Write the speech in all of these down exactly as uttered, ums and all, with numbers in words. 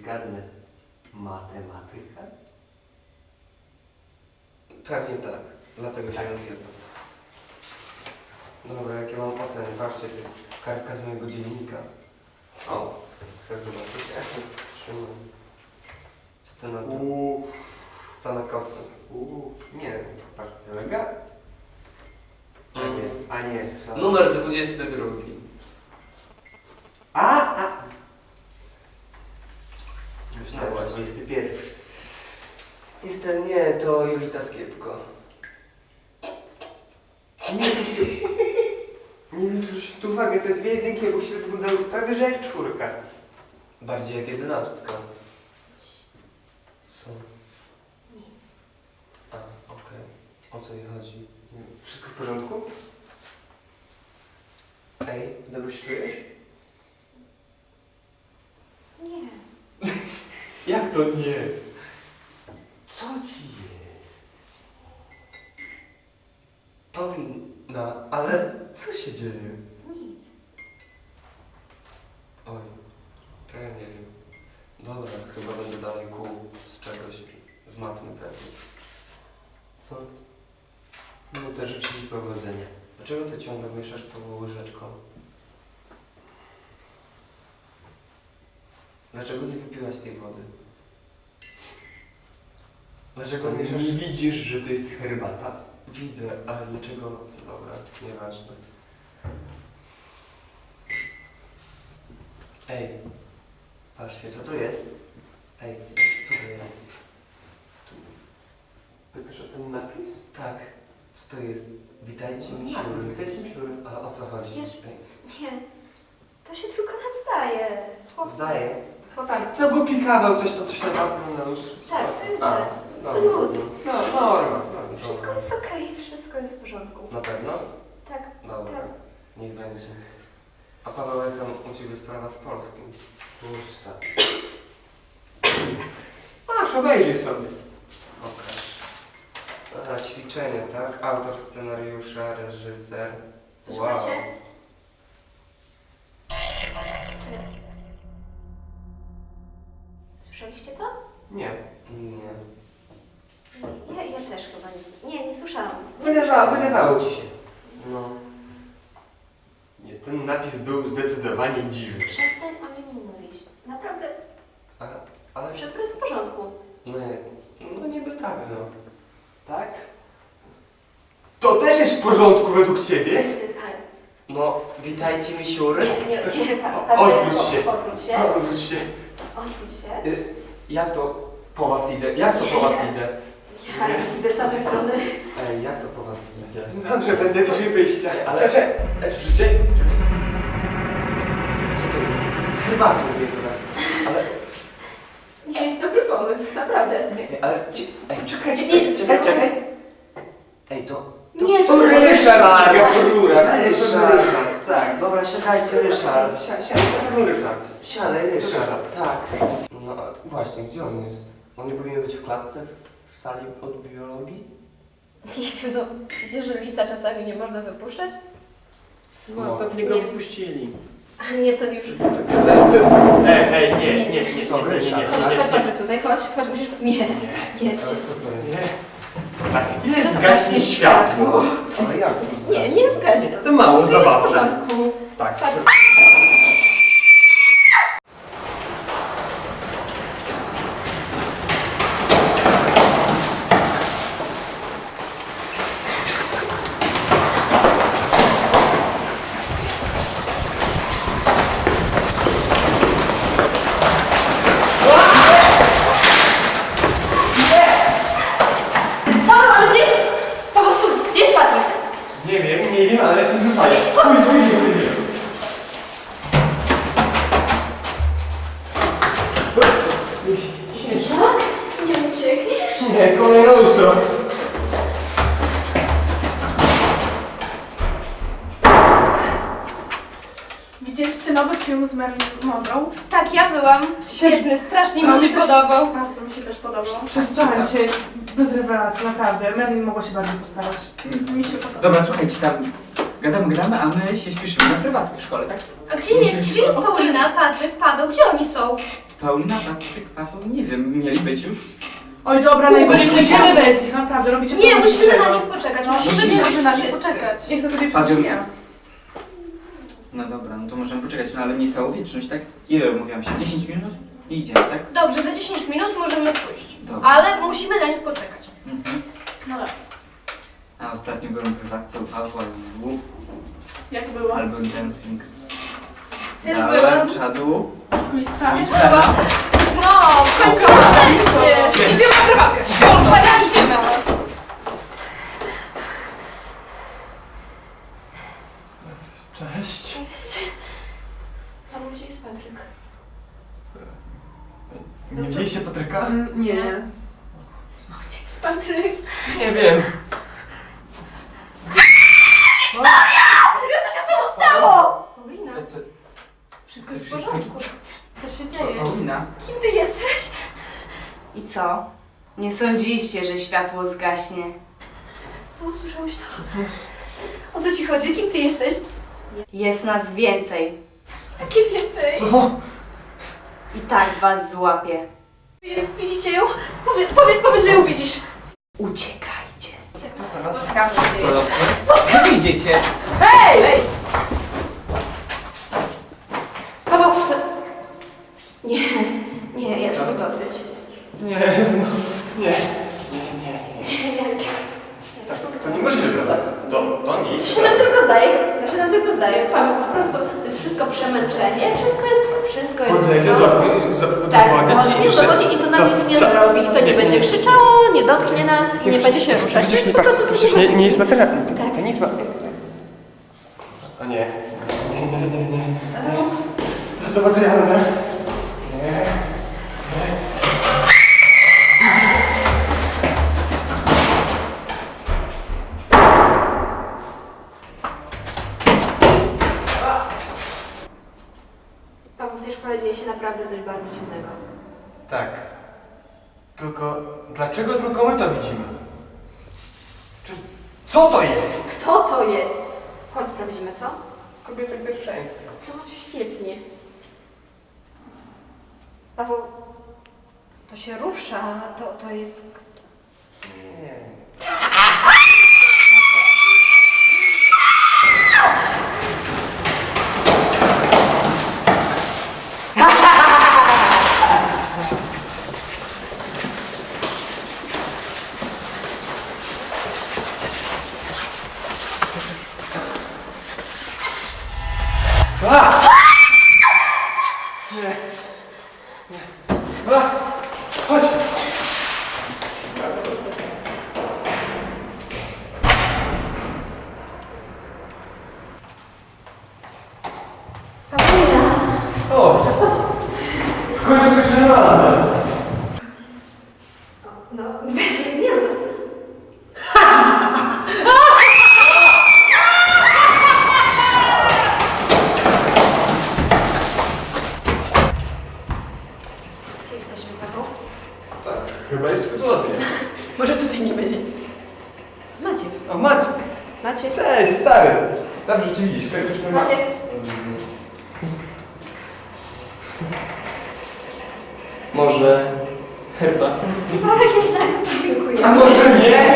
zgadnę. Matematyka? Pewnie tak. Dlatego się nazywa. Dobra, jakie mam oceny? Patrzcie, to jest kartka z mojego dziennika. O, chcesz zobaczyć? Jak to trzymam? Co ty na to? Uuu. Same kosy. Uuu. Nie, patrz, kolega? A nie, a nie. Sorry. Numer dwudziesty drugi. A, a! Myślałem, Dobra, dwudziesty pierwszy. Niestety nie, to Julita Skiepko. Nie, nie wiem, czy zwrócić tu uwagę, te dwie jedynki obok siebie wyglądały prawie że jak czwórka. Bardziej jak jedenastka. Co? Nic. A, okej. O co jej chodzi? Wszystko w porządku? Ej, dobrze się czujesz? Nie. Jak to nie? Co ci jest? Paulina, ale co się dzieje? Nic. Oj, to ja nie wiem. Dobra, chyba będę dalej kół z czegoś, z matmy pewnie. Co? No to życzę ci powodzenia. Dlaczego ty ciągle mieszasz tą łyżeczką? Dlaczego nie wypiłaś tej wody? Dlaczego To mieszasz... nie widzisz, że to jest herbata? Widzę, ale dlaczego... Dobra, nieważne. Ej, patrzcie, co to jest? Ej, co to jest? Tu. Pytasz o ten napis? Tak, co to jest? Witajcie, Tak, misiury. witajcie, misiury. Ale o co chodzi? Jest- Ej, Nie. To się tylko nam zdaje. Chłopcy. zdaje. Chłopaki. To głupi kawał, ktoś to coś na was na lustrze. Tak, to jest A, źle. no, Luz. No, norma. no, Wszystko dobra. jest okej, wszystko jest w porządku. Na pewno? Tak, Dobra, tak. niech będzie. A Paweł, jak tam u Ciebie sprawa z polskim? Pusta. Masz, obejrzyj sobie. Okej. A, ćwiczenie, tak? Autor scenariusza, reżyser. Wow. Słuchajcie. Czy... Słyszeliście to? Nie. Nie. Ja, ja też chyba nie... Nie, nie słyszałam. Wydawało, wydawało ci się. No. Nie, ten napis był zdecydowanie dziwny. Przestań o nim mówić. Naprawdę, A, ale... wszystko jest w porządku. Nie. No niby tak, no. Tak? To też jest w porządku według ciebie? Ale... No, witajcie, misiury. Nie, nie, nie, pa, O- pa, odwróć po- się. Odwróć się. Odwróć się. Odwróć się. Y, Jak to po was idę? Jak to po was idę? Ja idę z tamtej strony. Ej, jak to po was idę? Dobrze, będę bliżej wyjścia. Ale- Cześć, ej, życie? Co to jest? Chyba tu mnie wyraźnie. Ale... Nie jest dobry pomysł, naprawdę. Ej, ale... Ci... Ej, czekajcie, Nie, czekaj, nie, czekaj. Ej, to... Nie, To to Ryszard, jak rura. Ryszard. Tak, dobra, siadajcie, Ryszard. Siadaj, siadaj, no Ryszard. Siadaj, Ryszard, tak. No a właśnie, gdzie on jest? On nie powinien być w klatce? W sali od biologii? Nie wiem, no widzisz, że lisa czasami nie można wypuszczać? No, pewnie go wypuścili. A nie, to już... Ej, ej, nie, nie, nie, nie, Sorry, nie, nie, Ryszard. Chodź, nie, chodź nie, Patryk tutaj, chodź, chodź, musisz... Nie, nie, Ale nie. co to jest? nie. Za chwilę zgaśnie światło. Ale jak to Nie, nie zgaśnie. To mało Wszystko jest zabawne. w porządku. Tak. Patrz. Paweł, ale gdzie jest... Po prostu, gdzie jest Patryk? Nie wiem, nie wiem, ale zostaje. Pójdź, pójdź, pójdź. Jak? Nie uciekniesz? Nie, kolejna lustro. Widzieliście nowy film z Marilyn Monroe? Tak, ja byłam. Świetny, strasznie mi się też- podobał. Bardzo mi się też podobał. Przestańcie, bez rewelacji, naprawdę. Marilyn mogła się bardziej postarać. Mi się podoba. Dobra, słuchajcie, tam gadamy, gadamy, a my się śpieszymy na prywatkę w szkole, tak? A gdzie jest, gdzie jest Paulina, Patryk, Paweł? Gdzie oni są? Paulina, Patryk, Paweł, nie wiem, mieli być już. Oj, dobra, najwyżej pójdziemy bez nich, naprawdę, robicie Nie, to musimy niczego. na nich poczekać. No, Musimy musimy być na nich wszyscy. poczekać. Nie chcę sobie Paweł. psuć dnia. No dobra, no to możemy poczekać, no ale nie całą wieczność, tak? Ile umówiłam się? dziesięć minut? I idziemy, tak? Dobrze, za dziesięć minut możemy pójść. Dobra. Ale musimy na nich poczekać. Mhm. No dobra. A ostatnio byłem prywatce u Pawła i u Jak było? album dancing. Też Dałem byłam. czadu. Mój stary. No, w końcu jesteście. Idziemy na prywatkę. Uwaga, idziemy. Cześć. Paweł, gdzie jest Patryk? Nie widzieliście Patryka? Nie. Patryk! Nie wiem. Co się z tobą stało? Paulina, Co? wszystko jest w porządku. Co się dzieje? Paulina? Kim ty jesteś? I co? Nie sądziliście, że światło zgaśnie? O, słyszałeś to? O co ci chodzi? Kim ty jesteś? Jest nas więcej. Jakie więcej? Co? I tak was złapię. Widzicie ją? Powiedz, powiedz, powiedz, że ją widzisz. Uciekajcie. Zaraz. Gdzie wy idziecie? Paweł, to... Nie, nie, jest tego dosyć. Nie, no. Nie. Nie, nie, nie. Nie, Tak, to niemożliwe, tak? To, to nie to jest. się nam tylko zdaje, to się nam tylko zdaje. Paweł, po prostu to jest wszystko przemęczenie, wszystko jest, wszystko jest... Podejdę do Tak, udowodnić, to udowodni i to nam nic nie co? zrobi. I to nie będzie krzyczało, nie dotknie nas i nie będzie się ruszać. To Przecież jest nie, po prostu przecież nie, nie jest materia. Tak. To nie jest ma... A nie. Nie, nie, nie, nie. To, to materialne. Nie. Paweł, w tej szkole dzieje się naprawdę coś bardzo dziwnego. Tak. Tylko dlaczego tylko my to widzimy? Czy co to jest? Kto to jest? Chodź, sprawdzimy, co? Kobieta pierwszeństwa. No, świetnie. Paweł, to się rusza, to, to jest... Nie. A! Nie. Nie. A! Chodź! O! W końcu coś żelane. No, weź, nie rób. Gdzie jesteśmy, Paweł? Tak, chyba jest cudownie. Może tutaj nie będzie. Maciek. O, Maciek! Maciek. Cześć, stary! Dobrze cię widzieć, tutaj już Maciek. Może herbatę? Ale jednak dziękuję. A może nie?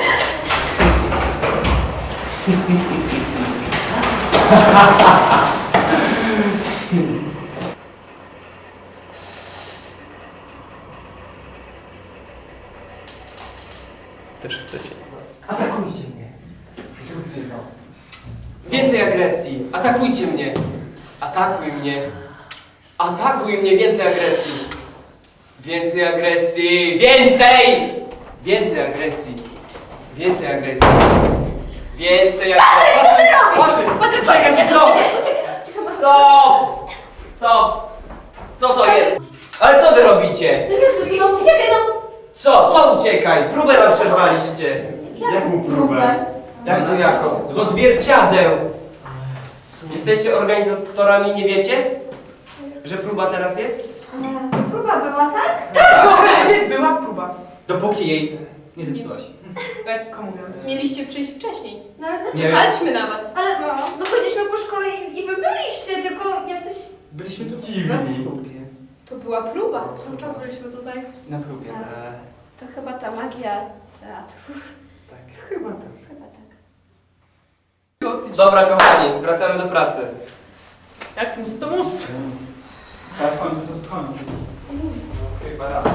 Też chcecie. Atakujcie mnie. Zróbcie to. Więcej agresji! Atakujcie mnie! Atakuj mnie! Atakuj mnie! Więcej agresji! Więcej agresji! Więcej! Więcej agresji! Więcej agresji! Więcej agresji! Co ty robisz? Patryk! Patryk, Czekaj, czekaj, co? czekaj, czekaj, czekaj. Stop! Stop! Co to jest? Ale co wy robicie? No Jezus, no uciekaj, no. Co? Co uciekaj? Próbę nam przerwaliście! Jaką próbę? Jak to jako? Do zwierciadeł! Jesteście organizatorami, nie wiecie? Że próba teraz jest? To próba była, tak? Tak, była próba. Dopóki jej nie zepsułaś. Lekko mówiąc. Mieliście przyjść wcześniej. No ale dlaczego? Nie. Czekaliśmy na was. Ale no, my chodziliśmy po szkole i, i wy byliście, tylko jacyś... Byliśmy tu Dziwni. na próbie. To była próba. Cały czas byliśmy tutaj. Na próbie. E, To chyba ta magia teatru. tak, chyba tak. Chyba tak. Dobra, kochani, wracamy do pracy. Jak mus to mus. Trzeba w końcu to skończyć. No, chyba raz.